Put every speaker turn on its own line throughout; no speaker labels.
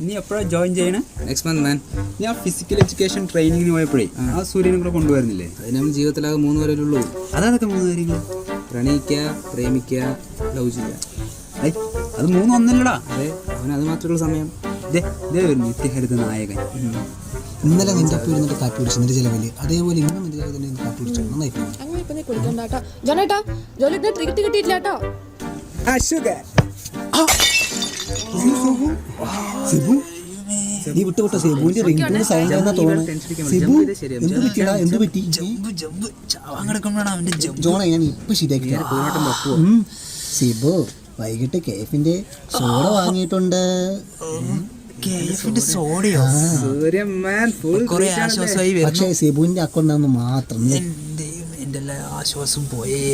നീ എപ്പോഴാണ് ജോയിൻ ചെയ്യണേ?
Next month man.
ഞാൻ ഫിസിക്കൽ എഡ്യൂക്കേഷൻ ട്രെയിനിങ്ങിന് പോയപ്പോഴേ ആ സൂര്യനെ കൂടെ കൊണ്ടുവരുന്നില്ലേ?
അത് നമ്മൾ ജീവിതത്തിലാകെ 3 പേരല്ലേ.
അതൊക്കെ 3 കാര്യങ്ങൾ:
പ്രണയിക്കുക, പ്രേമിക്കുക, ലവ് ചെയ്യുക.
അത് 3 ഒന്നല്ലടാ.
അതെ, അവനത് മാത്രമുള്ള സമയം.
ഒരു നിത്യഹരിത നായകൻ.
ഇന്നലെ നിന്റെ ഒപ്പം ഇരുന്നിട്ട് കാപ്പി കുടിച്ചു നിന്റെ ചിലവില്, അതേപോലെ ഇന്നും നിന്റെ ചിലവിൽ തന്നെ കാപ്പി കുടിച്ചു. നന്നായി നീ വിട്ടുവിട്ട സെബുവിന്റെ റിംഗ് സൈൻ എന്നാ തോന്നുന്നു. സെബു എന്ത് പറ്റിയടാ? എന്ത് പറ്റി? ജോണെ ഞാൻ ഇപ്പൊ ശരിയാക്കി. സെബു വൈകിട്ട് കേഫിന്റെ സോഡ വാങ്ങിയിട്ടുണ്ട്. പക്ഷേ സെബുവിന്റെ അക്കൗണ്ടാന്ന് മാത്രം.
ആശ്വാസം പോയേ.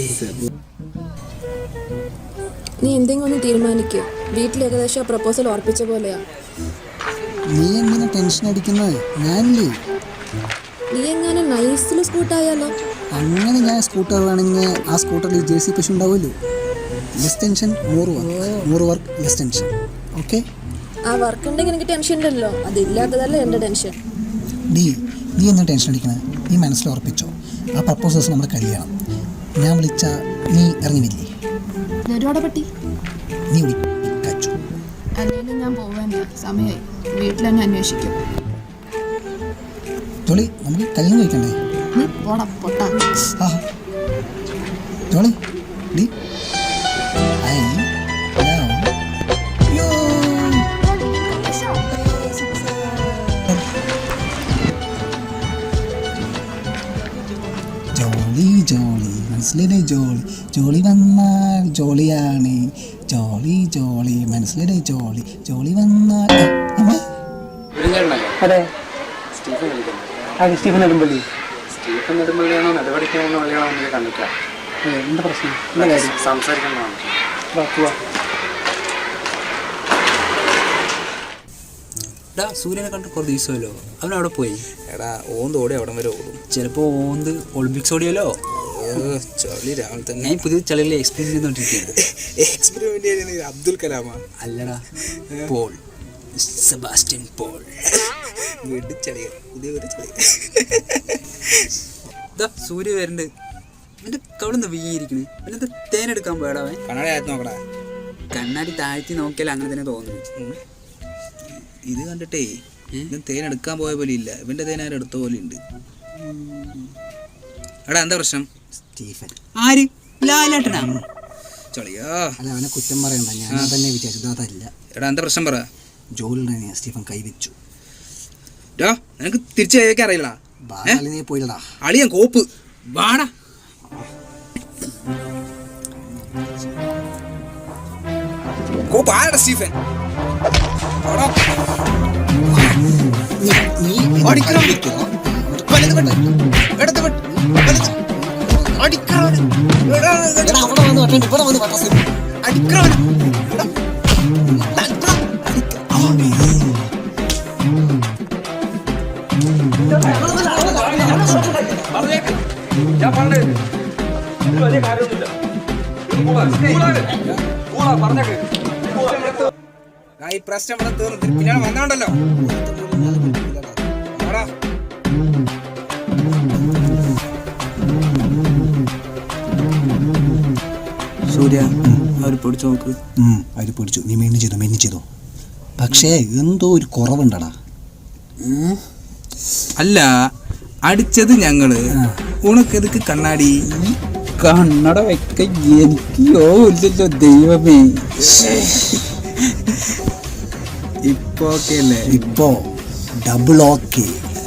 നീ എന്തെങ്കിലും ഒന്ന് തീരുമാനിക്കുക. വീട്ടിൽ ഏകദേശം പ്രപ്പോസൽ ഉറപ്പിച്ച പോലെയാ.
നീ എന്തിനാ ടെൻഷൻ അടിക്കുന്നത്? ഞാനില്ലേ.
നീ എങ്ങനെ നൈസിൽ സ്കൂട്ടായാലോ?
അങ്ങനെ ഞാൻ സ്കൂട്ടർ വേണമെങ്കിൽ ആ സ്കൂട്ടറിൽ JC പശു ഉണ്ടാവുമല്ലോ. Less tension more work less tension. Okay,
ആ വർക്ക് ഉണ്ടെങ്കിൽ എനിക്ക് ടെൻഷൻ ഉണ്ടല്ലോ. അതില്ലാത്തതല്ല എൻ്റെ ടെൻഷൻ.
നീ എന്നാ ടെൻഷൻ അടിക്കണേ? നീ മനസ്സിൽ ഉറപ്പിച്ചോ, ആ പ്രപ്പോസൽസ് നമ്മുടെ കല്യാണം. ഞാൻ വിളിച്ച നീ ഇറങ്ങിയില്ലേ?
പറ്റി
നീ വിളിച്ചു.
അല്ലെങ്കിൽ ഞാൻ പോവാൻ സമയമായി. വീട്ടിൽ തന്നെ അന്വേഷിക്കും.
ജോളി, നമുക്ക് കല്യാണം കഴിക്കണ്ടേ?
നീ പോടാ പൊട്ടാ.
ജോളി ഡി ജോളി മനസ്സിലെ ജോളി. ജോളി വന്നാൽ ജോളിയാണ്. ജോളി മനസ്സിലെ ജോളി. ജോളി വന്നാൽ
അതെ. സ്റ്റീഫൻ നെടുമ്പള്ളി. സ്റ്റീഫൻ നെടുമ്പള്ളിയാണോ നെടുപടിക്കാണോ വഴിയാണോ കണ്ടിട്ടില്ല. എന്താ പ്രശ്നം? എന്താ കാര്യം? സംസാരിക്കുന്നതാണ്.
സൂര്യനെ കണ്ട് കുറേ ദിവസമല്ലോ. അവനവിടെ പോയി.
എടാ ഓന്ത് ഓടി അവിടം വരെ ഓടും.
ചിലപ്പോൾ ഓന്ത് ഒളിമ്പിക്സ് ഓടിയല്ലോ.
ചളി രാവിലെ തന്നെ.
ഞാൻ പുതിയ ചളികളിൽ എക്സ്പെരിമെന്റ് ചെയ്തുകൊണ്ടിരിക്കുകയാണ്.
എക്സ്പെരിമെന്റ് അബ്ദുൽ കലാമാ?
അല്ലടാ, പോൾ, സെബാസ്റ്റ്യൻ പോൾ.
വീട്ടിൽ ചളിയ, പുതിയ ഒരു ചളിയ.
സൂര്യ വരുന്നുണ്ട്. എൻ്റെ കവിടുന്ന് വീയിരിക്കണ്. പിന്നെ തേനെടുക്കാൻ പോയടാവൻ.
കണ്ണാടി ആയിട്ട് നോക്കടാ.
കണ്ണാടി താഴ്ത്തി നോക്കിയാൽ അങ്ങനെ തന്നെ തോന്നുന്നു.
ഇത് കണ്ടിട്ടേ ഇവൻ തേൻ എടുക്കാൻ പോയ പോലെ ഇല്ല. ഇവന്റെ തേൻ ആരും എടുത്ത പോലെ ഉണ്ട്. എടാ എന്താ പ്രശ്നം?
സ്റ്റീഫൻ.
ആര്? ലാലേട്ടനാ?
ചളിയാ.
അല്ല, അവനെ കുറ്റം പറയണ്ട. ഞാൻ തന്നെ വിചാരിച്ചത് അതല്ല.
എടാ എന്താ പ്രശ്നം പറ.
ജോലിയുടെ സ്റ്റീഫൻ കൈവച്ചു.
നിനക്ക് തിരിച്ചു കൈവയ്ക്കാൻ അറിയില്ല.
നീ പോയില്ലടാ.
അളിയൻ കോപ്പ്. വാടാ. കോപ്പ് ആരടാ സ്റ്റീഫൻ? ഈ പ്രശ്നം ഇവിടെ തീർന്നു. പിന്നെ വന്നോണ്ടല്ലോ.
സൂര്യ, അവർ പിടിച്ചു നോക്ക്.
അവർ പിടിച്ചു. നീ മെയിൻ ചെയ്തോ. പക്ഷേ എന്തോ ഒരു കുറവുണ്ടടാ.
അല്ല, അടിച്ചത് ഞങ്ങള്. ഉണക്കെതുക്ക് കണ്ണാടി?
കണ്ണട വെക്ക എനിക്കോ ഇല്ലല്ലോ ദൈവമേ.
ഇപ്പൊ ഓക്കെ അല്ലേ?
ഇപ്പോ ഡബിൾ ഓക്കെ.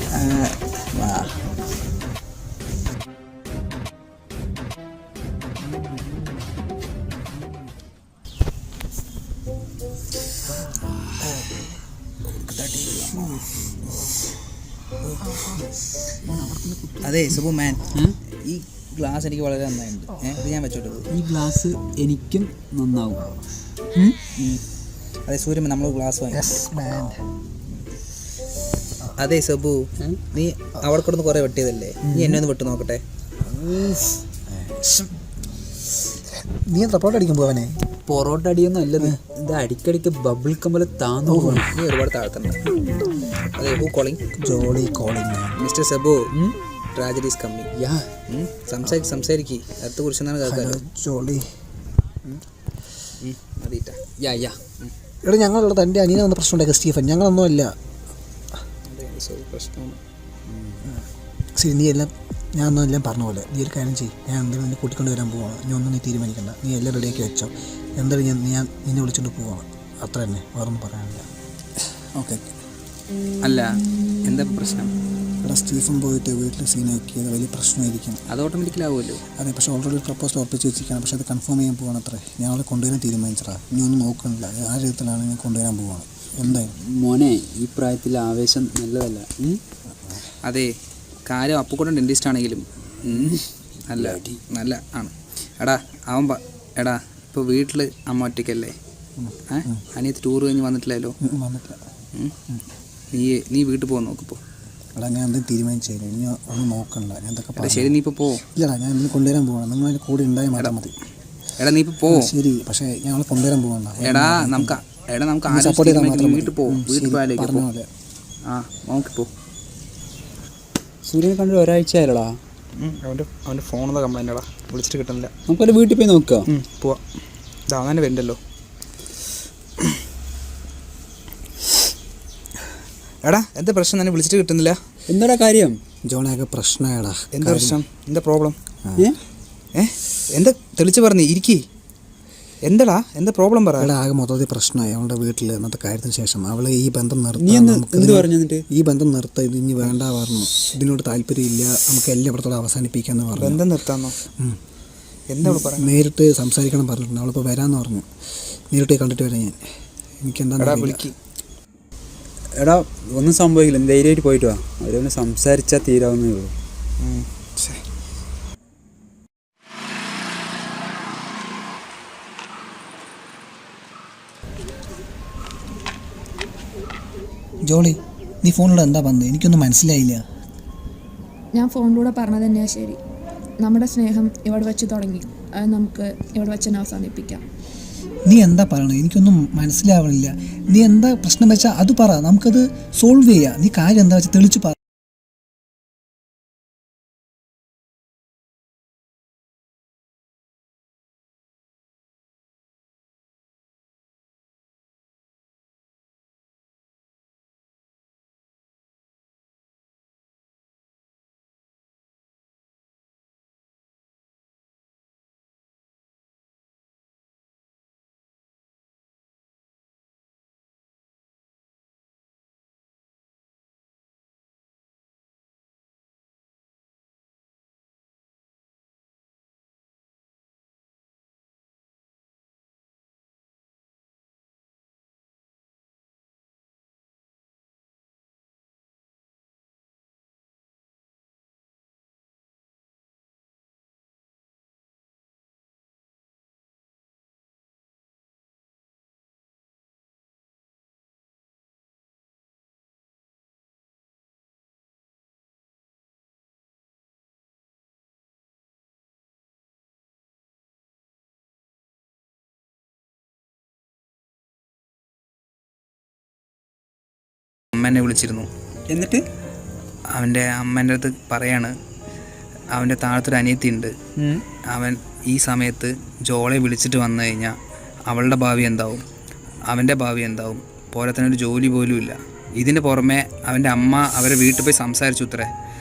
അതെ സുബു മാൻ, ഈ ഗ്ലാസ് എനിക്ക് വളരെ നന്നായിട്ടുണ്ട്. അത് ഞാൻ വെച്ചോട്ടെ.
ഈ ഗ്ലാസ് എനിക്കും നന്നാവും.
അതെ സൂര്യൻ, നമ്മൾ ഗ്ലാസ് വാങ്ങി. അതെ സബു, നീ അവിടെ കിടന്ന് കുറെ വെട്ടിയതല്ലേ, നീ എന്നെ ഒന്ന് വെട്ട് നോക്കട്ടെ.
നീ റിപ്പോർട്ട് അടിക്കാൻ പോവാനെ?
പൊറോട്ട അടിയൊന്നും അല്ലത്. ഇത് അടിക്കടിക്ക് ബബിൾ കമ്പല താന്നു പോകണം.
നീ ഒരുപാട് താഴ്ത്തണ്ട. അതെ, who calling? Jolly calling. Mister Sebu, tragedy is coming.
Yeah,
സംസാരിക്ക്. അടുത്ത കുറിച്ചെന്നാണ് കേൾക്കാറ്. ജോളി മതിട്ടാ.
യാ യാ.
എടാ, ഞങ്ങളുള്ള തൻ്റെ അനിയനെ വന്ന പ്രശ്നം ഉണ്ടാക്കുക സ്റ്റീഫൻ. ഞങ്ങളൊന്നും അല്ല.
പ്രശ്നം
ശരി, നീ എല്ലാം ഞാനൊന്നും എല്ലാം പറഞ്ഞ പോലെ നീ ഒരു കാര്യം ചെയ്യും. ഞാൻ എന്തെങ്കിലും നിന്നെ കൂട്ടിക്കൊണ്ട് വരാൻ പോവാണ്. നീ ഒന്നും നീ തീരുമാനിക്കണ്ട. നീ എല്ലാം റെഡിയാക്കി വെച്ചോ. എന്തായാലും ഞാൻ നിന്നെ വിളിച്ചുകൊണ്ട് പോവാണ്. അത്ര തന്നെ, വേറൊന്നും പറയാനില്ല. ഓക്കെ.
അല്ല, എന്താ പ്രശ്നം?
എടാ, സ്റ്റീഫൻ പോയിട്ട് വീട്ടിൽ സീനാക്കിയത് വലിയ പ്രശ്നമായിരിക്കും.
അത് ഓട്ടോമാറ്റിക്കലാവുമല്ലോ.
അതെ, പക്ഷേ ഓൾറെഡി പ്രപ്പോസൽ ഉറപ്പിച്ച് വെച്ചിരിക്കുകയാണ്. പക്ഷേ അത് കൺഫേം ചെയ്യാൻ പോവാണ്. അത്രേ, ഞങ്ങളെ കൊണ്ടുവരാൻ തീരുമാനിച്ചടാ. ഇനി ഒന്നും നോക്കണില്ല. ആ രീതിയിലാണ് ഞാൻ കൊണ്ടുവരാൻ പോവാണ്. എന്തായാലും
മോനെ, ഈ പ്രായത്തിൽ ആവേശം നല്ലതല്ല.
അതെ, കാര്യം അപ്പുകൂടെ ഡെൻറ്റിസ്റ്റ് ആണെങ്കിലും നല്ല നല്ല ആണ്. എടാ എടാ ഇപ്പോൾ വീട്ടിൽ അമ്മ ഒറ്റയ്ക്കല്ലേ? അനിയത്ത് ടൂർ കഴിഞ്ഞ് വന്നിട്ടില്ലല്ലോ.
വന്നിട്ടില്ല.
നീ വീട്ടിൽ പോകാൻ നോക്കിപ്പോൾ.
എടാ, ഞാൻ എന്തെങ്കിലും തീരുമാനിച്ചു. ഇനി ഒന്നും നോക്കണ്ട. ഞാൻ എന്തൊക്കെ
എടാ ശരി, നീ ഇപ്പോൾ പോ.
ഇല്ലടാ, ഞാൻ ഇന്ന് കൊണ്ടുവരാൻ പോവാണ്. നിങ്ങൾ അതിന് കൂടെ ഉണ്ടായാൽ മാത്രം മതി.
എടാ നീ ഇപ്പോൾ പോ.
ശരി, പക്ഷേ ഞങ്ങൾ കൊണ്ടുവരാൻ പോകണ്ട.
നമുക്ക് വീട്ടിൽ പോകും. വീട്ടിൽ പോയാലേക്ക്
പറഞ്ഞ പോലെ.
ആ, നോക്കിപ്പോ.
സൂര്യനെ കണ്ടിട്ട് ഒരാഴ്ച ആയല്ലോടാ.
അവൻ്റെ ഫോണിൽ കംപ്ലൈൻ്റ് ആടാ, വിളിച്ചിട്ട് കിട്ടുന്നില്ല.
നമുക്കല്ല വീട്ടിൽ പോയി നോക്കാം.
പോവാം. ഇത് അങ്ങനെ വരുന്നുണ്ടല്ലോ. എടാ, എന്താ പ്രശ്നം? തന്നെ വിളിച്ചിട്ട് കിട്ടുന്നില്ല.
എന്താടാ കാര്യം?
ജോണാകെ പ്രശ്നമാടാ.
എന്താ പ്രശ്നം? എന്താ പ്രോബ്ലം? എന്താ തെളിച്ച് പറഞ്ഞേ? ഇരിക്കേ. എന്താടാ, എന്താ പ്രോബ്ലം പറ.
എടാ, ആകെ മൊത്തത്തിൽ പ്രശ്നമായി അവളുടെ വീട്ടിൽ. എന്നത്തെ കാര്യത്തിന് ശേഷം അവൾ ഈ ബന്ധം
നീ
നിർത്താൻ
എന്ത് പറഞ്ഞു? എന്നിട്ട്
ഈ ബന്ധം നിർത്താൻ ഇത് ഇനി വേണ്ട പറഞ്ഞു. ഇതിനോട് താല്പര്യമില്ല, നമുക്ക് എല്ലായിടത്തോളം അവസാനിപ്പിക്കാമെന്ന് പറഞ്ഞു.
ബന്ധം നിർത്താന്നോ? എന്താ പറയാ?
നേരിട്ട് സംസാരിക്കണം പറഞ്ഞിട്ടുണ്ട്. അവളിപ്പോൾ വരാമെന്ന് പറഞ്ഞു. നേരിട്ട് കണ്ടിട്ട് വരാം ഞാൻ. എനിക്കെന്താ
വിളിക്ക്.
എടാ, ഒന്നും സംഭവിക്കില്ല. ധൈര്യമായിട്ട് പോയിട്ട് വാ. അവരൊന്ന് സംസാരിച്ചാൽ തീരാവുന്നേ ഉള്ളൂ.
ജോളി, നീ ഫോണിലൂടെ എന്താ പറഞ്ഞത്? എനിക്കൊന്നും മനസ്സിലായില്ല.
ഞാൻ ഫോണിലൂടെ പറഞ്ഞത് തന്നെയാണ് ശരി. നമ്മുടെ സ്നേഹം ഇവിടെ വെച്ച് തുടങ്ങി. അത് നമുക്ക് ഇവിടെ വെച്ച് തന്നെ അവസാനിപ്പിക്കാം.
നീ എന്താ പറയണത്? എനിക്കൊന്നും മനസ്സിലാവണില്ല. നീ എന്താ പ്രശ്നം വെച്ചാൽ അത് പറ, നമുക്കത് സോൾവ് ചെയ്യാം. നീ കാര്യം എന്താ വെച്ചാൽ തെളിച്ച് പറ.
അമ്മേനെ വിളിച്ചിരുന്നു.
എന്നിട്ട്
അവൻ്റെ അമ്മേൻ്റെ അടുത്ത് പറയാണ്, അവൻ്റെ താഴത്തൊരു അനിയത്തിയുണ്ട്. അവൻ ഈ സമയത്ത് ജോളെ വിളിച്ചിട്ട് വന്നു കഴിഞ്ഞാൽ അവളുടെ ഭാവി എന്താവും, അവൻ്റെ ഭാവി എന്താവും, പോരാത്തന്നെ ഒരു ജോലി പോലും ഇല്ല. ഇതിന് പുറമെ അവൻ്റെ അമ്മ അവരെ വീട്ടിൽ പോയി സംസാരിച്ചു.